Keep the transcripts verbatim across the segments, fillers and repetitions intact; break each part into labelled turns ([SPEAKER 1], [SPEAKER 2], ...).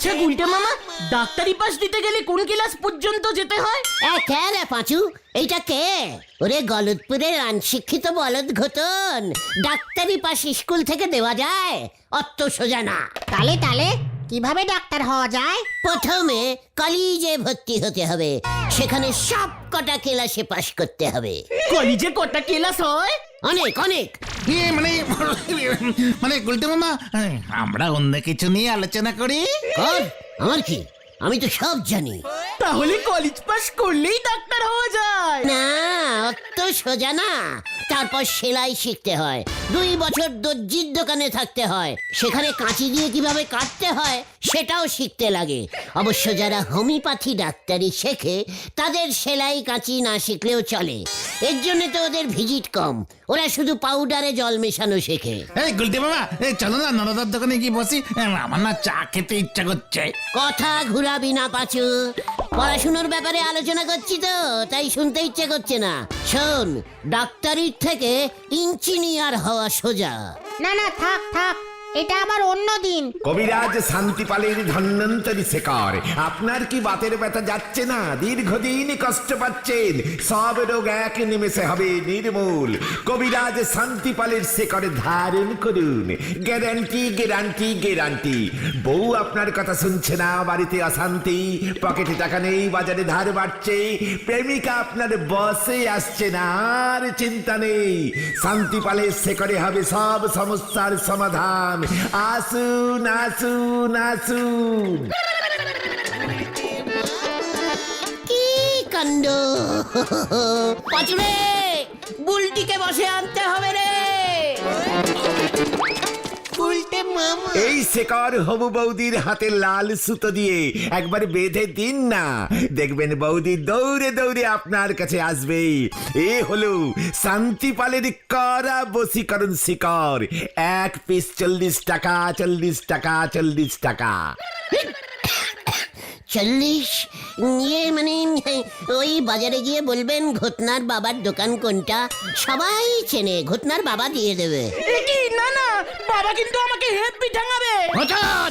[SPEAKER 1] আচ্ছা গুলটে মামা, ডাক্তারি পাস দিতে গেলে কোন ক্লাস পর্যন্ত যেতে হয়?
[SPEAKER 2] এ কে রে পাঁচু, এইটা কে? ওরে গলতপুরের অনশিক্ষিত বলদ ঘটন, ডাক্তারি পাস স্কুল থেকে দেওয়া যায়? অত সোজা না।
[SPEAKER 3] তালে তালে কিভাবে ডাক্তার হওয়া যায়?
[SPEAKER 2] প্রথমে কলেজে ভর্তি হতে হবে, সেখানে সব কটা ক্লাসে পাশ করতে হবে।
[SPEAKER 1] কলেজে কটা ক্লাস হয়?
[SPEAKER 2] অনেক অনেক।
[SPEAKER 4] ইয়ে মানে মানে গুলটে মামা, আমরা অন্য কিছু নিয়ে আলোচনা করি।
[SPEAKER 2] কর, আমার কি, আমি তো সব জানি।
[SPEAKER 1] তাহলে কলেজ পাস করলেই ডাক্তার হওয়া যায়?
[SPEAKER 2] না, অত সোজা না। তারপর সেলাই শিখতে হয়, দুই বছর দর্জির দোকানে থাকতে হয়, সেখানে কাঁচি দিয়ে কিভাবে কাটতে হয় সেটাও শিখতে লাগে। অবশ্য যারা হোমিওপ্যাথি ডাক্তারি শেখে তাদের সেলাই কাঁচি না শিখলেও চলে, এর জন্য তো ওদের ভিজিট কম, ওরা শুধু পাউডারে জল মেশানো শেখে।
[SPEAKER 4] এই গুলটে মামা, এই চলো না নরদার দোকানে গিয়ে বসি, আমার না চা খেতে ইচ্ছা করছে।
[SPEAKER 2] কথা ঘুরাবি না পাচু, পড়াশুনোর ব্যাপারে আলোচনা করছি তো, তাই শুনতে ইচ্ছে করছে না। শোন, ডাক্তারির থেকে ইঞ্জিনিয়ার হওয়া সোজা।
[SPEAKER 3] না না থাক থাক, এটা আবার অন্য দিন।
[SPEAKER 5] কবিরাজ শান্তিপালের ধন্বন্তরী শেখর, আপনার কি বাতের ব্যথা যাচ্ছে না? দীর্ঘদিন কষ্ট পাচ্ছেন, সব রোগ এক নিমেষে হবে নির্মূল। কবিরাজ শান্তিপালের শেখরে ধারণ করুন, গ্যারান্টি গ্যারান্টি গ্যারান্টি। বউ আপনার কথা শুনছে না, বাড়িতে অশান্তি, পকেটে টাকা নেই, বাজারে ধার বাড়ছে, প্রেমিকা আপনার বসে আসছে না, আর চিন্তা নেই, শান্তিপালের শেখরে হবে সব সমস্যার সমাধান। আসুন আসুন আসুন।
[SPEAKER 2] কি কাণ্ড! পাচুরে, বুলটিকে বসে আনতে হবে রে।
[SPEAKER 5] এই শেখর হবু বৌদির হাতে লাল সুতো দিয়ে একবার বেঁধে দিন না, দেখবেন বৌদি দৌড়ে দৌড়ে আপনার কাছে আসবে। এ হলো শান্তিপালের করা বশীকরণ শিকর, এক পিস চল্লিশ টাকা, চল্লিশ টাকা, চল্লিশ টাকা।
[SPEAKER 2] চল্লিশ? ইয়ে মানে ওই বাজারে গিয়ে বলবেন ঘটনার বাবার দোকান কোনটা, সবাই চেনে, ঘটনার বাবা দিয়ে দেবে।
[SPEAKER 1] এ কি? না না, বাবা কিন্তু আমাকে হেব্বি ঠাঙাবে।
[SPEAKER 2] ঘটন!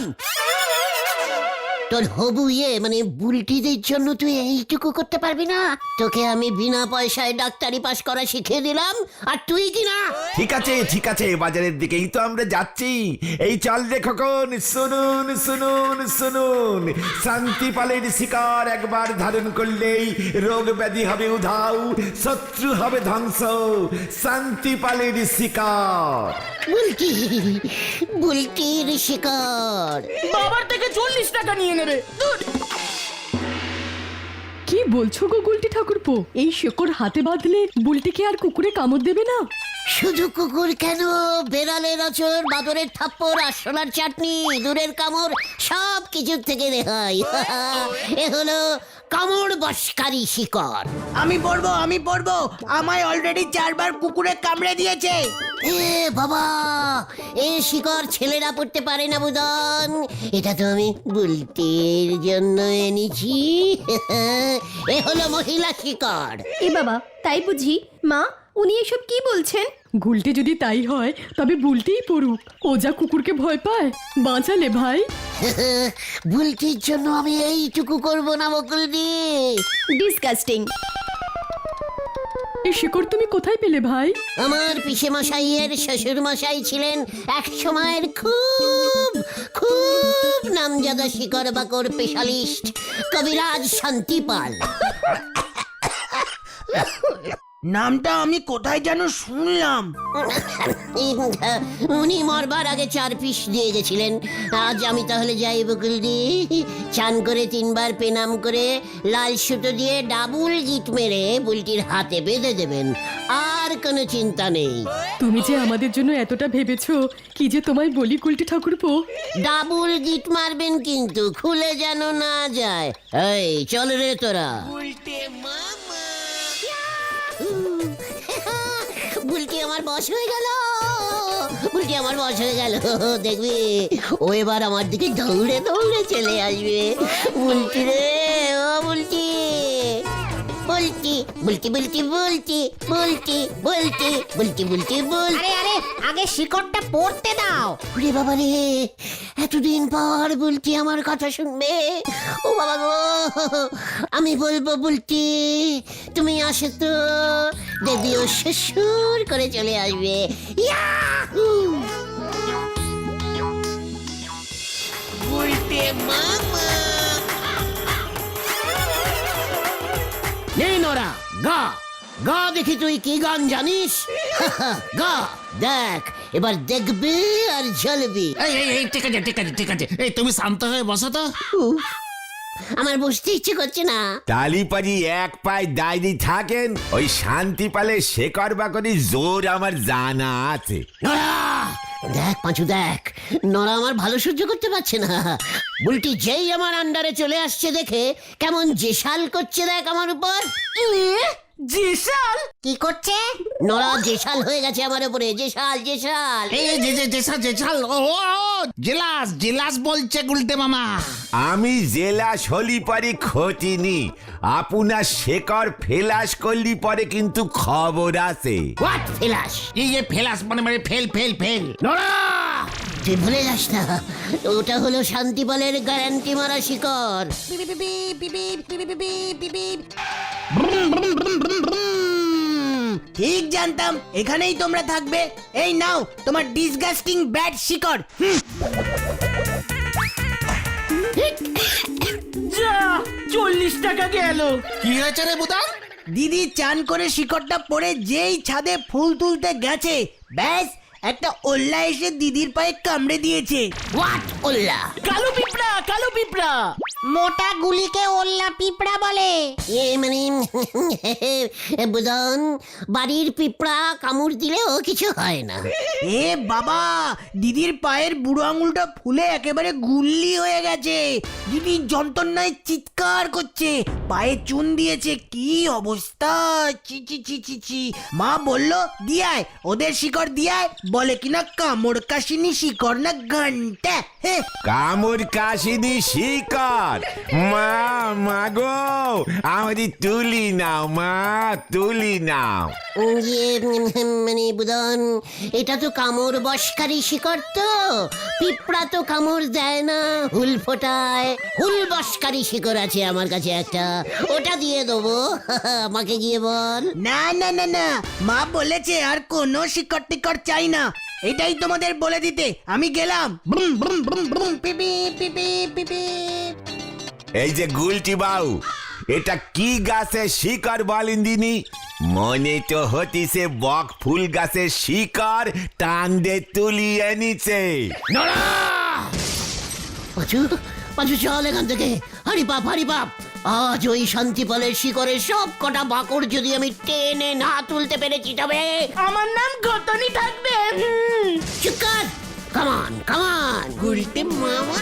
[SPEAKER 2] তোর হবু ইয়ে মানে বুলটিদের জন্য তুই এইটুকু করতে পারবি না? তোকে আমি বিনা পয়সায় ডাক্তারি পাস করা শিখিয়ে দিলাম, আর তুই কি না?
[SPEAKER 5] ঠিক আছে ঠিক আছে, বাজারের দিকেই তো আমরা যাচ্ছি। এই চল রে খোকন, শুনুন শুনুন শুনুন, শান্তিপালের শিকার একবার ধারণ করলেই রোগ ব্যাধি হবে উধাও, শত্রু হবে ধ্বংস। শান্তিপালের শিকার।
[SPEAKER 2] বুলটি, বুলটির শিকার।
[SPEAKER 1] বাবার থেকে চল্লিশ টাকা নিয়ে নেবে। ধুর।
[SPEAKER 6] কি বলছো গো গুলটি ঠাকুরপো? এই শেকড় হাতে বাঁধলে বুলটিকে আর কুকুরে কামড় দেবে না?
[SPEAKER 2] শুধু কুকুর কেন, বেড়ালের আচর, বাদরের থাপ্পড়, আরশোলার চাটনি, দূরের কামড়, সব কিছুর থেকে রেহাই। এ হলো কামড় বশকারী শিকড়।
[SPEAKER 7] আমি পড়বো আমি পড়বো, আমায় অলরেডি চারবার কুকুরে কামড়ে দিয়েছে।
[SPEAKER 2] এ বাবা, এ শিকড় ছেলেরা পড়তে পারে না বুদন, এটা তো আমি বুলটির জন্য এনেছি। এ হলো মহিলা শিকড়।
[SPEAKER 8] এ বাবা, তাই বুঝি? মা, উনি এসব কি বলছেন?
[SPEAKER 6] গুলটে যদি তাই হয় তবে বুলটিই পড়ুক, ও যা কুকুরকে ভয় পায়। বাঁচালে ভাই।
[SPEAKER 2] বুলটির জন্য আমি এইটুকু করবো না বকুলদি?
[SPEAKER 8] ডিসকাস্টিং।
[SPEAKER 6] এই শেকড় তুমি কোথায় পেলে ভাই?
[SPEAKER 2] আমার পিসে মশাইয়ের শ্বশুর মশাই ছিলেন এক সময়ের খুব খুব নামজাদা শিকড় বাকড় স্পেশালিস্ট, কবিরাজ শান্তিপাল।
[SPEAKER 7] নামটা আমি কোথায় যেন শুনলাম।
[SPEAKER 2] উনি মরবার আগে চার পিস দিয়ে গেছিলেন। আজ আমি তাহলে যাই বকুলদি, চান করে তিনবার পেনাম করে লাল সুতো দিয়ে ডাবুল গিট মেরে বুলটির হাতে বেঁধে দেবেন, আর কোনো চিন্তা নেই।
[SPEAKER 6] তুমি যে আমাদের জন্য এতটা ভেবেছো, কি যে তোমায় বলি গুলটি ঠাকুরপো।
[SPEAKER 2] ডাবুল গিট মারবেন কিন্তু, খুলে যেন না যায়। এই চল রে তোরা। বুলটি আমার বশ হয়ে গেল, বুলটি আমার বশ হয়ে গেল। দেখবি ও এবার আমার দিকে দৌড়ে দৌড়ে চলে আসবে। বুলটি রে, ও বুলটি, বুলটি। বুলটি বুলটি বুলটি বুলটি বুলটি বুলটি বুলটি বুলটি বুল
[SPEAKER 3] আরে আরে আগে শিকড়টা পড়তে দাও।
[SPEAKER 2] রে বাবা রে, এতদিন পর বুলটি আমার কথা শুনবে। ও বাবা গো, আমি বলবো বুলটি তুমি আসে তো, দেবীও শ্বশুর করে চলে আসবে। ইয়াহু! বুলটি মামা নেই নরা, গা গা দেখি তুই কি গান জানিস। গা দেখ, এবার দেখবি আর জ্বলবি।
[SPEAKER 4] এই এই এই ঠিক আছে ঠিক আছে ঠিক আছে, এই তুমি শান্ত হয়ে বসো তো।
[SPEAKER 2] উফ, আমার বসতে ইচ্ছে করছে না।
[SPEAKER 5] তালিপারি এক পায়ে দাঁড়িয়ে থাকেন, ওই শান্তি পালে শেকর বাকরি জোর আমার জানা আছে।
[SPEAKER 2] নরা দেখ পাঁচু দেখ, নরা আমার ভালো সহ্য করতে পারছে না। বুলটি যেই আমার আন্ডারে চলে আসছে দেখে কেমন জেসাল করছে দেখ আমার উপর।
[SPEAKER 1] জেসাল
[SPEAKER 3] কি করছে?
[SPEAKER 2] নরা জেসাল হয়ে গেছে আমার উপরে, জেসাল জেসাল।
[SPEAKER 4] এই এই, যে যে জেসা জেসাল, ও ও, জেলাস জেলাস বলছে গুলটে মামা।
[SPEAKER 5] আমি জেলা হলি পরে খতিনি, আপনার শেকর ফেলাস করলি পরে কিন্তু খবর আছে।
[SPEAKER 2] হোয়াট ফেলাস?
[SPEAKER 4] এই যে ফেলাস মানে মানে ফেল ফেল ফেল।
[SPEAKER 2] নরা তুই ভুলে যাস না, ওটা হলো শান্তিপালের গ্যারান্টি মারা শিকড়।
[SPEAKER 7] ঠিক জানতাম এখানেই তোমরা থাকবে। এই নাও তোমার ডিসগাস্টিং ব্যাড শিকড়। হুম,
[SPEAKER 1] যা চল্লিশ টাকা গেল।
[SPEAKER 4] কি হয়েছে রে বুদান?
[SPEAKER 7] দিদি চান করে শিকড়টা পরে যেই ছাদে ফুল তুলতে গেছে, ব্যাস একটা ওল্লা এসে দিদির পায়ে কামড়ে দিয়েছে।
[SPEAKER 2] হোয়াট ওল্লা?
[SPEAKER 1] কালো পিঁপড়া কালো পিঁপড়া।
[SPEAKER 3] মোটা গুলিকে ওল্লা পিঁপড়া বলে।
[SPEAKER 2] এ মানে বুদন, বাড়ির পিঁপড়া কামড় দিলেও কিছু হয় না।
[SPEAKER 7] এ বাবা, দিদির পায়ের বুড়ো আঙুলটা ফুলে একেবারে গুল্লি হয়ে গেছে। দিদি যন্ত্রণায় চিৎকার করছে, পায়ে চুন দিয়েছে, কি অবস্থা! চি চি চি চি চি। মা বললো দিয়ায়, ওদের শিকড় দিয়ায়, বলে কিনা কামড় কাশিনি শিকড় না ঘন্টা। হে
[SPEAKER 5] কামড় কাশিনি শিকর, মা মাগো আমারই তুলি নাও, মা তুলি নাও।
[SPEAKER 2] ইয়ে মানে বুদন, এটা তো কামড় বসকারী শিকড়, তো পিঁপড়া তো কামড় দেয় না, হুল ফোটায়। হুল বসকারী শিকড় আছে আমার কাছে একটা, ওটা দিয়ে দেবো। আমাকে গিয়ে বল।
[SPEAKER 7] না না না না, মা বলেছে আর কোনো শিকড় টিকড় চাই না। এটাই তোমাদের বলে দিতে আমি গেলাম। ব্রুম ব্রুম ব্রুম ব্রুম, পিপি পিপি পিপি।
[SPEAKER 5] এই যে গুলটি বাউ, এটা কি গাছের শিকড় বলেন দিনি? মনে তো হতিছে বক ফুল গাছের শিকড় টান দে তুলিয়ে নিচে।
[SPEAKER 2] নড়া! পাঁচু পাঁচু চল এখান থেকে, হারি বাপ হারি বাপ। আজ ওই শান্তিপালের শিকড়ের সব কটা বাকড় যদি আমি টেনে না তুলতে পেরেছি, তবে
[SPEAKER 1] আমার নাম ঘটনি থাকবে। হুম।
[SPEAKER 2] চিৎকার। কামান কামান গুলতে মামা।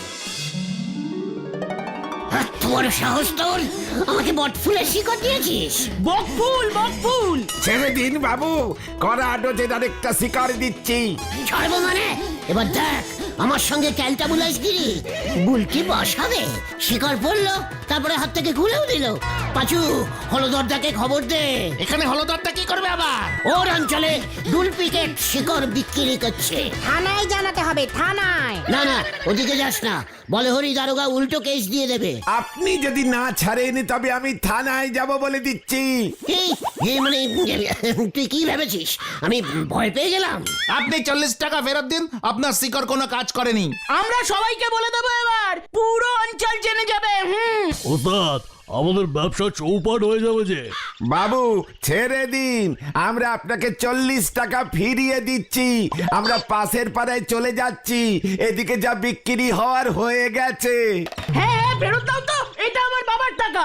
[SPEAKER 2] তোর সাহস তোর, আমাকে বটফুলের শিকড় দিয়েছিস?
[SPEAKER 1] বকফুল বকফুল।
[SPEAKER 5] ছেড়ে দিন বাবু, করা ডোজের আরেকটা শিকড় দিচ্ছি।
[SPEAKER 2] ছাড়বো মানে? এবার দেখ আমার সঙ্গে ক্যালটা বুলাসগিরি। বুলকি বসাবে, শিকড় পড়লো, তারপরে হাত থেকে খুলেও দিল। পাঁচু, হলদরদাকে খবর দে।
[SPEAKER 4] এখানে হলদরটা কি করবে আবার?
[SPEAKER 2] ওর অঞ্চলে ডুপ্লিকেট শিকড় বিক্রি করছে।
[SPEAKER 3] থানায় জানাতে হবে, থানায়।
[SPEAKER 2] না না, ওদিকে যাস না, বলে হরি দারোগা উল্টো কেস দিয়ে দেবে।
[SPEAKER 5] আপনি যদি না ছাড়েন তবে আমি থানায় যাব বলে দিচ্ছি।
[SPEAKER 2] এই এই মানে তুই কি ভেবেছিস আমি ভয় পেয়ে গেলাম?
[SPEAKER 4] আপনি চল্লিশ টাকা ফেরত দিন, আপনার শিকড় কোনো কাজ করেনি।
[SPEAKER 1] আমরা সবাইকে বলে দেবো, এবার পুরো অঞ্চল জেনে যাবে। হুম।
[SPEAKER 9] ওস্তাদ, আমাদের ব্যবসা চৌপাট হয়ে যাবে যে।
[SPEAKER 5] বাবু ছেড়ে দিন, আমরা আপনাকে চল্লিশ টাকা ফিরিয়ে দিচ্ছি। আমরা পাশের পাড়ায় চলে যাচ্ছি, এদিকে যা বিক্রি হওয়ার হয়ে গেছে।
[SPEAKER 1] হ্যাঁ হ্যাঁ, ফেরত দাও তো, এটা আমার বাবার টাকা।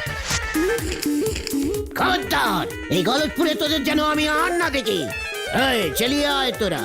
[SPEAKER 2] খবরদার, এই গলতপুরে তোদের যেন আমি আর না দেখি। এই চলিয়ে আয় তোরা।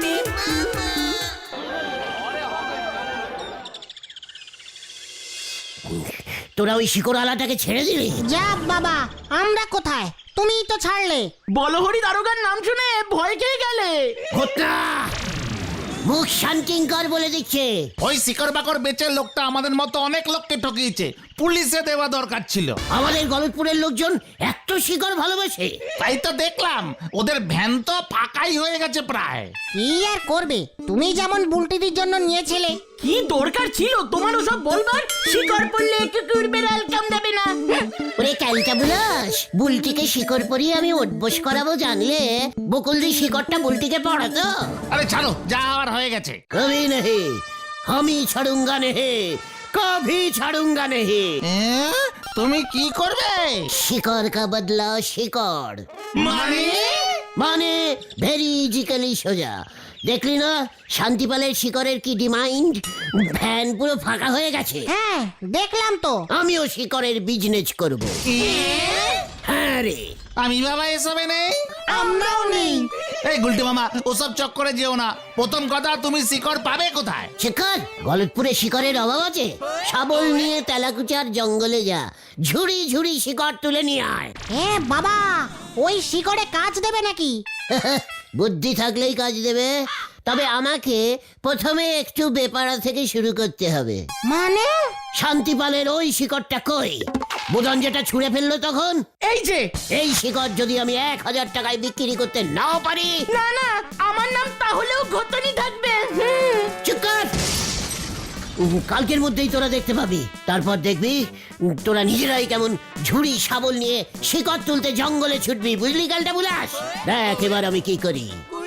[SPEAKER 2] তোরা ওই শিকড়ালাটাকে ছেড়ে দিলি?
[SPEAKER 3] যা বাবা, আমরা কোথায়? তুমিই তো ছাড়লে।
[SPEAKER 1] বলহরি দারোগার নাম শুনে ভয় খেয়ে গেলে।
[SPEAKER 2] ঘটনা মুখ শান্তিঙ্কর বলে দিচ্ছে।
[SPEAKER 4] ওই শিকড় বাকর বেচে লোকটা আমাদের মতো অনেক লোককে ঠকিয়েছে, পুলিশে দেওয়া দরকার ছিল।
[SPEAKER 2] আমাদের গলতপুরের লোকজন এত শিকড় ভালোবাসে।
[SPEAKER 4] তাই তো দেখলাম ওদের ভ্যান তো ফাঁকাই হয়ে গেছে প্রায়।
[SPEAKER 3] কি আর করবে, তুমি যেমন বুলটিদির জন্য নিয়েছিলে।
[SPEAKER 1] কি দরকার ছিল তোমার ওসব বলবার? শিকড় পড়লে কুকুর বেড়াল কাম দেবে না।
[SPEAKER 2] ওরে ক্যালটা বুলাস, বুলটিকে শিকড় পরিয়ে আমি উঠবোস করাবো জানলে বকুলদি শিকড়টা বুলটিকে পড়াতো।
[SPEAKER 4] আরে ছাড়ো, যা আর হয়ে গেছে।
[SPEAKER 2] কবি নেহি আমি ছাড়ুঙ্গা নেহি, কভি ছাড়ুঙ্গা নেহি।
[SPEAKER 4] এ, তুমি কি করবে?
[SPEAKER 2] শিকড় কা বদলা শিকড়
[SPEAKER 4] মানে
[SPEAKER 2] মানে ভেরিজিক্যালি সোজা। দেখলি না শান্তিপালের শিকড়ের কি ডিমান্ড? ভ্যান পুরো ফাঁকা হয়ে গেছে।
[SPEAKER 3] হ্যাঁ দেখলাম তো।
[SPEAKER 2] আমিও শিকড়ের বিজনেস করব। হ্যাঁ রে,
[SPEAKER 4] আমি বাবা এসবে নেই।
[SPEAKER 3] আমরাও নেই।
[SPEAKER 4] এই গুলটি মামা, ওসব চক্করে যেও না। প্রথম কথা, তুমি শিকড় পাবে কোথায়?
[SPEAKER 2] শিকড় গলতপুরে শিকড়ের অভাব আছে? শাবল নিয়ে তেলাকুচার জঙ্গলে যা, ঝুড়ি ঝুড়ি শিকড় তুলে নিয়ে আয়।
[SPEAKER 3] এ বাবা, ওই শিকড়ে কাজ দেবে নাকি?
[SPEAKER 2] বুদ্ধি থাকলেই কাজ দেবে, তবে আমাকে প্রথমে একটু বেপারা থেকে শুরু করতে হবে।
[SPEAKER 3] মানে?
[SPEAKER 2] শান্তিপালের ওই শিকড়টা কই? বুদন যেটা ছুঁড়ে ফেললো তখন।
[SPEAKER 1] এই যে,
[SPEAKER 2] এই শিকড় যদি আমি এক হাজার টাকায় বিক্রি করতে নাও পারি।
[SPEAKER 1] না না, আমার নাম তাহলেও ঘটনি থাকবে। হুম।
[SPEAKER 2] চুপ কর। উম, কালকের মধ্যেই তোরা দেখতে পাবি। তারপর দেখবি উম, তোরা নিজেরাই কেমন ঝুড়ি শাবল নিয়ে শিকড় তুলতে জঙ্গলে ছুটবি, বুঝলি কালটা বুলাস? দেখ এবার আমি কি করি।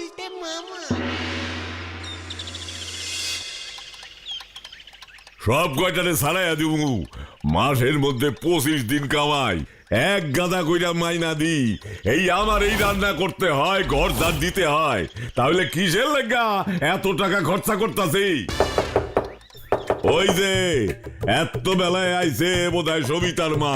[SPEAKER 10] সব কয়টারে সারাইয়া দিব, মাসের মধ্যে পঁচিশ দিন কামাই, এক গাদা কইরা মাইনা দি। এই আমার এই রান্না করতে হয়, ঘর ঝাড় দিতে হয়, তাহলে কিসের লেগা এত টাকা খরচা করতাছি? ওই যে এত বেলায় আইছে বোধহয় সবিতার মা।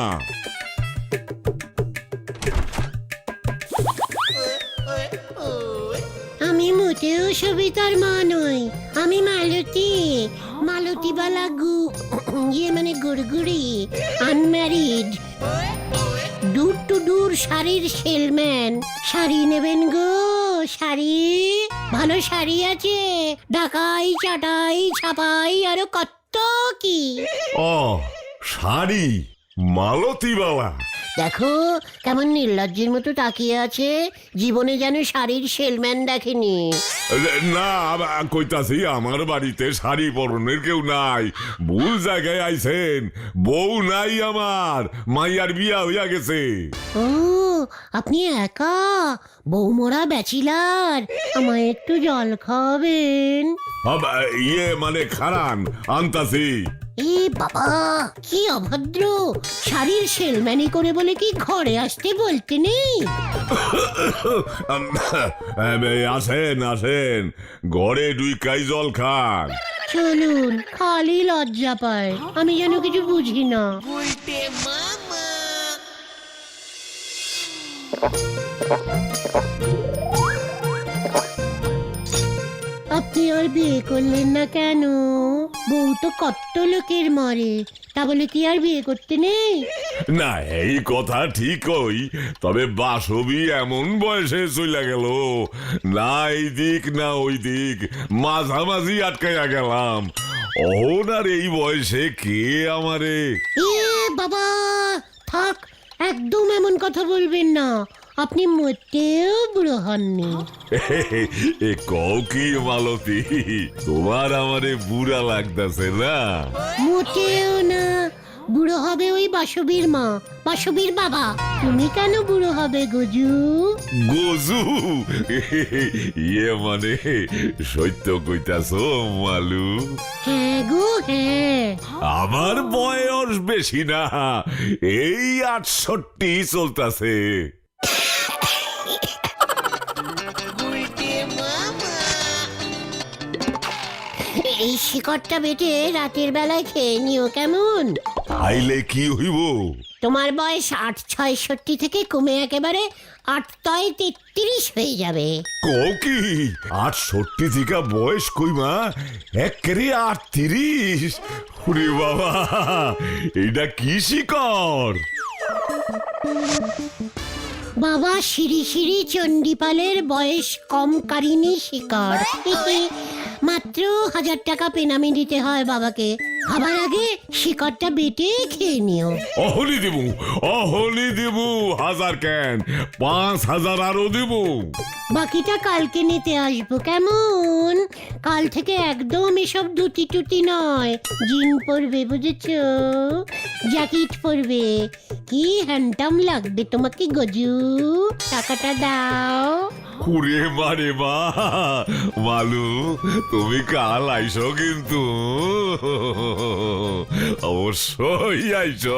[SPEAKER 2] আমি মোটেও সবিতার মা নই, আমি মালতী, মালতীবালা গু ইয়ে মানে গুড়গুড়ি, আনম্যারিড, দূর টু দূর শাড়ির সেলম্যান। শাড়ি নেবেন গো? শাড়ি, ভালো শাড়ি আছে, ঢাকাই, চাটাই, ছাপাই, আরো কত কি।
[SPEAKER 10] ও শাড়ি, মালতী বাবা।
[SPEAKER 2] দেখো কেমন নির্লজ্জের মতো তাকিয়ে আছে, জীবনে যেন শাড়ির সেলম্যান দেখেনি।
[SPEAKER 10] না কইতাছি, আমার বাড়িতে শাড়ি পরনের কেউ নাই, ভুল জায়গায় আইছেন। বউ নাই আমার, মাইয়ার বিয়া হইয়া গেছে।
[SPEAKER 2] ও আপনি একা, বৌমরা ব্যাচিলার, আমায় একটু জল খাওয়াবেন?
[SPEAKER 10] আব- ইয়ে মানে খারান আনতাছি।
[SPEAKER 2] এ বাবা কি অভদ্র, শাড়ির সেলম্যানি করে বলে কি ঘরে আসতে বলতে নেই?
[SPEAKER 10] আসেন আসেন, ঘরে ডুইকাই জল খান।
[SPEAKER 2] চলুন, খালি লজ্জা পায়, আমি যেন কিছু বুঝি না। আপনি আর বিয়ে করলেন না কেন? বউ তো কত লোকের মরে, তা বলে কি আর বিয়ে করতে নেই?
[SPEAKER 10] না এই কথা ঠিকই, তবে বাসবি এমন বয়সে চলে গেল, না এই দিক না ওই দিক, মাঝামাঝি আটকাইয়া গেলাম। ওনার এই বয়সে কে আমারে?
[SPEAKER 2] এ বাবা থাক, একদম এমন কথা বলবেন না, আপনি মোটেও বুড়ো হননি।
[SPEAKER 10] এ কও কি মালতী, তোমার আমারে বুড়া লাগতাছে না?
[SPEAKER 2] মোটেও না, বুড়ো হবে ওই বাসবীর মা, বাসবীর বাবা। তুমি কেন বুড়ো হবে গজু?
[SPEAKER 10] গজু? ইয়ে মানে সত্য কইতাছো মালু?
[SPEAKER 2] হ্যাঁ গো হ্যাঁ।
[SPEAKER 10] আমার বয়স বেশি না, এই আটষট্টি চলতাছে।
[SPEAKER 2] এই শিকড়টা বেটে রাতের বেলায় খেয়ে নিও কেমন?
[SPEAKER 10] খাইলে কি হইব?
[SPEAKER 2] তোমার বয়স আট ছয়ষট্টি থেকে কমে একেবারে আট তয় তেত্রিশ হয়ে যাবে।
[SPEAKER 10] কও কি আটষট্টি থেকে বয়স কইমা একেবারে আটত্রিশ? ওরে বাবা, এইটা কি শিকড়?
[SPEAKER 2] বাবা শিরি শিরি চণ্ডীপালের বয়স কম কারিনী শিকড়। মাত্র হাজার টাকা পেনামি দিতে হয় বাবাকে। খাবার আগে শিকড়টা বেটে খেয়ে নিও।
[SPEAKER 10] অহনি দেবু অহনি দেবু হাজার কেন পাঁচ হাজার আরো দেবু।
[SPEAKER 2] বাকিটা কালকে নিতে আসবো কেমন? কাল থেকে একদম এসব দুটি টুটি নয়, জিন পরবে বুঝেছো? জ্যাকেট পরবে। কি হ্যান্ডসাম লাগবে তোমাকে গজু। টাকাটা দাও।
[SPEAKER 10] কুড়ে মারে মা মালু, তুমি কাল আইসো কিন্তু, অবশ্যই আইসো।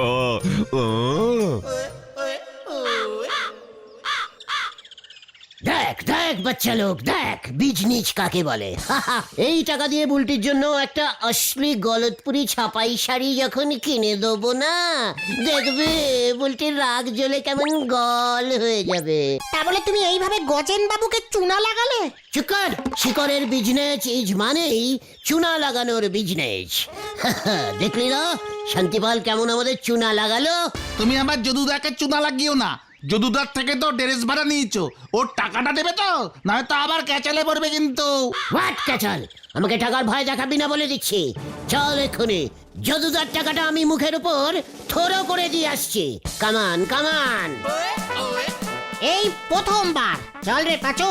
[SPEAKER 2] দেখ দেখ বাচ্চা লোক, দেখ বিজনিচ কাকে বলে। এই টাকা দিয়ে বুলটির জন্য একটা অশ্লীল গলতপুরি ছাপাই শাড়ি যখন কিনে দেবো না, দেখবে বুলটির রাগ জ্বলে কেমন গল হয়ে যাবে।
[SPEAKER 3] তা বলে তুমি এইভাবে গজেন বাবুকে চুনা লাগালে?
[SPEAKER 2] চুকার, শিকরের বিজনেস ইজ মানেই চুনা লাগানোর বিজনেস। দেখলি না শান্তিপাল কেমন আমাদের চুনা লাগালো?
[SPEAKER 4] তুমি আমার যদুদাকে চুনা লাগিও না। যদুদার থেকে তো ড্রেস ভাড়া নিয়েছো, ওর টাকাটা দেবে তো, নয়তো আবার ক্যাচালে পড়বে কিন্তু।
[SPEAKER 2] হোয়াট ক্যাচাল? আমাকে টাকার ভয় দেখাবি না বলে দিচ্ছি। চল এক্ষুনি যদুদার টাকাটা আমি মুখের উপর থরো করে দিয়ে আসছি। কামান কামান।
[SPEAKER 3] এই প্রথমবার। চল রে পাচো।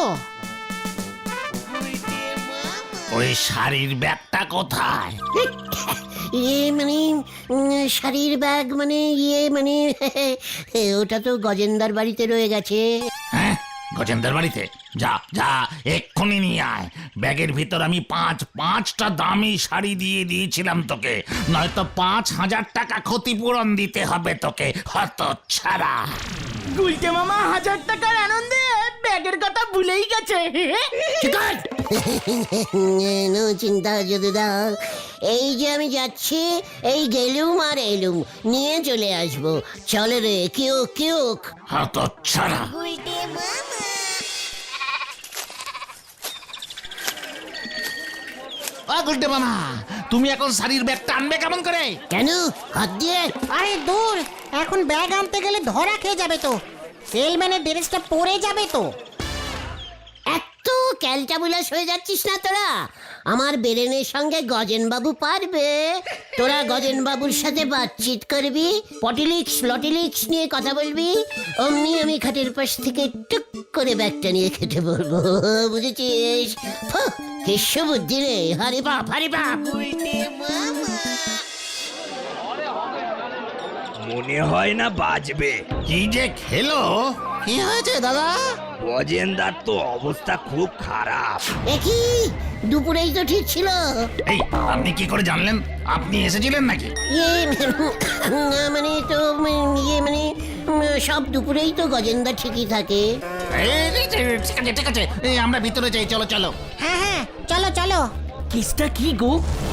[SPEAKER 4] ওই শাড়ির ব্যাগটা কোথায়?
[SPEAKER 2] ইয়ে মানে উম, শাড়ির ব্যাগ মানে ইয়ে মানে ওটা তো গজেন্দার বাড়িতে রয়ে গেছে।
[SPEAKER 4] হ্যাঁ, গজেন্দার বাড়িতে? যা যা এক্ষুনি নিয়ে আয়। ব্যাগের ভিতর আমি পাঁচ পাঁচটা দামি শাড়ি দিয়ে দিয়েছিলাম তোকে, নয়তো পাঁচ হাজার টাকা ক্ষতিপূরণ দিতে হবে তোকে, হতচ্ছাড়া।
[SPEAKER 1] গুলটে মামা হাজার টাকার আনন্দে ব্যাগের কথা ভুলেই গেছে।
[SPEAKER 2] নো চিন্তা যদুদা, এই যে আমি যাচ্ছি, এই গেলুম আর এলুম, নিয়ে চলে আসবো। চলে রে কেউ কেউ।
[SPEAKER 4] হতচ্ছাড়া। ও গুলটে মামা, তুমি এখন শাড়ির ব্যাগটা আনবে কেমন করে?
[SPEAKER 2] কেন হাত দিয়ে?
[SPEAKER 3] আরে দূর, এখন ব্যাগ আনতে গেলে ধরা খেয়ে যাবে তো। সেলম্যানের ড্রেসটা পরে যাবে তো।
[SPEAKER 2] এত ক্যালটাবুলাস হয়ে যাচ্ছিস না তোরা? আমার বেরেনের সঙ্গে গজেন বাবু পারবে। তোরা গজেন বাবুর সাথে বাতচিত করবি, পটিলিক্স লটিলিক্স নিয়ে কথা বলবি, অমনি আমি খাটের পাশ থেকে টুক করে ব্যাগটা নিয়ে খেতে বলবো, বুঝেছিস? কেশ বুদ্ধি রে, হারে বাপ হারে বাপ।
[SPEAKER 11] মনে হয় না বাজবে।
[SPEAKER 4] কি যে খেলো? কি হয়েছে দাদা?
[SPEAKER 11] গজেন্দার তো অবস্থা খুব খারাপ।
[SPEAKER 2] একই দুপুরেই তো ঠিক ছিল।
[SPEAKER 4] এই আপনি কি করে জানলেন? আপনি এসেছিলেন নাকি?
[SPEAKER 2] ইয়ে মানে তো ইয়ে মানে সব দুপুরেই তো গজেন্দা ঠিকই থাকে।
[SPEAKER 4] এই, ঠিক আছে ঠিক আছে, এই আমরা ভিতরে যাই, চলো চলো।
[SPEAKER 3] হ্যাঁ হ্যাঁ চলো চলো।
[SPEAKER 1] কেসটা কি গো?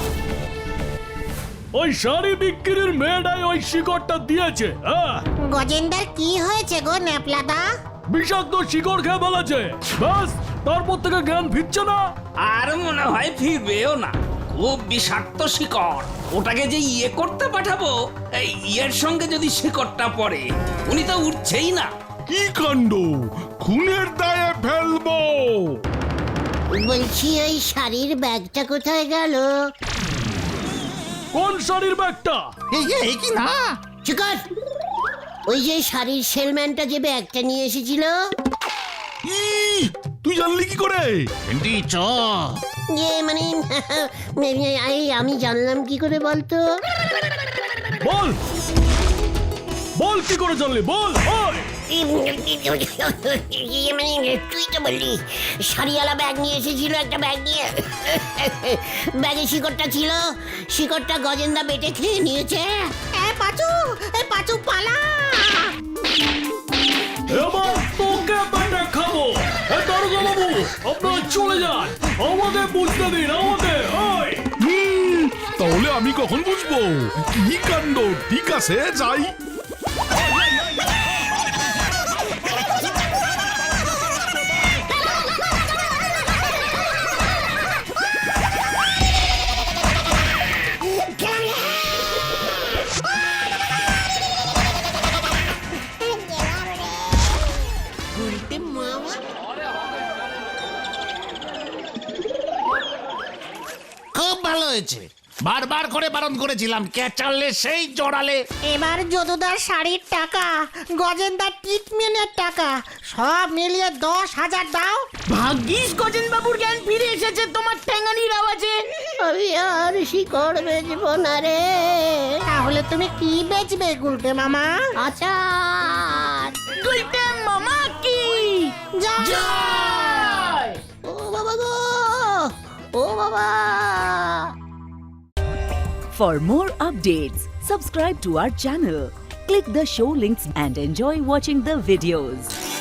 [SPEAKER 9] ওই শাড়ি বিক্রির মেয়েটাই ওই শিকড়টা দিয়েছে। হ্যাঁ,
[SPEAKER 3] গজেন্দার কি হয়েছে গো ন্যাপলাদা?
[SPEAKER 9] বিষাক্ত শিকড় খেয়ে ফেলেছে। ব্যাস, তারপর থেকে জ্ঞান ফিরছে না।
[SPEAKER 11] আর মনে হয় ফিরবেও না। খুব বিষাক্ত শিকড়। ওটাকে যে ইয়ে করতে পাঠাবো, এই ইয়ের সঙ্গে যদি শিকড়টা পড়ে, উনি তো উঠছেই না।
[SPEAKER 10] কি কাণ্ড, খুনের দায়ে ফেলবো।
[SPEAKER 2] বলছি ওই শাড়ির ব্যাগটা কোথায় গেল?
[SPEAKER 9] কোন শাড়ির ব্যাগটা?
[SPEAKER 4] এই এই কি না?
[SPEAKER 2] চিকর, ওই যে শাড়ির সেলম্যানটা যে ব্যাগটা নিয়ে এসেছিল।
[SPEAKER 10] তুই জানলি কি করে?
[SPEAKER 4] ভেন্ডি চ।
[SPEAKER 2] ইয়ে মানে এই আমি জানলাম কি করে বলতো?
[SPEAKER 9] বল বল, কি করে জানলি? বল। ওই
[SPEAKER 2] ইয়ে মানে তুই তো বললি শাড়িওয়ালা ব্যাগ নিয়ে এসেছিল, একটা ব্যাগ নিয়ে। ব্যাগে শিকড়টা ছিল, শিকড়টা গজেন্দা বেটে খেয়ে নিয়েছে।
[SPEAKER 3] এ পাচু, এ পাচু পালা।
[SPEAKER 9] এবার তোকে বেটে খাবো। এ দারোগা বাবু, আপনারা চলে যান, আমাদের বুঝতে দিন, আমাদের। ওই
[SPEAKER 10] তাহলে আমি কখন বুঝবো? কি কাণ্ড, ঠিক আছে যাই।
[SPEAKER 4] ভালো হয়েছে, বারবার করে বারণ করেছিলাম, ক্যাচারলে সেই জড়ালে।
[SPEAKER 3] এবার যদুদার শাড়ির টাকা, গজেন্দার ট্রিটমেন্টের টাকা সব মিলিয়ে দশ হাজার দাও।
[SPEAKER 1] ভাগ্যিস গজেন বাবুর জ্ঞান ফিরে এসেছে তোমার ঠ্যাঙানির আওয়াজে।
[SPEAKER 2] আমি আর শিকড় বেচবো না রে।
[SPEAKER 3] তাহলে তুমি কি বেচবে গুলটে মামা?
[SPEAKER 2] আচার।
[SPEAKER 1] গুলটে মামা কি জয়!
[SPEAKER 2] ও বাবা গো, ও বাবা।
[SPEAKER 12] For more updates, subscribe to our channel, click the show links and enjoy watching the videos.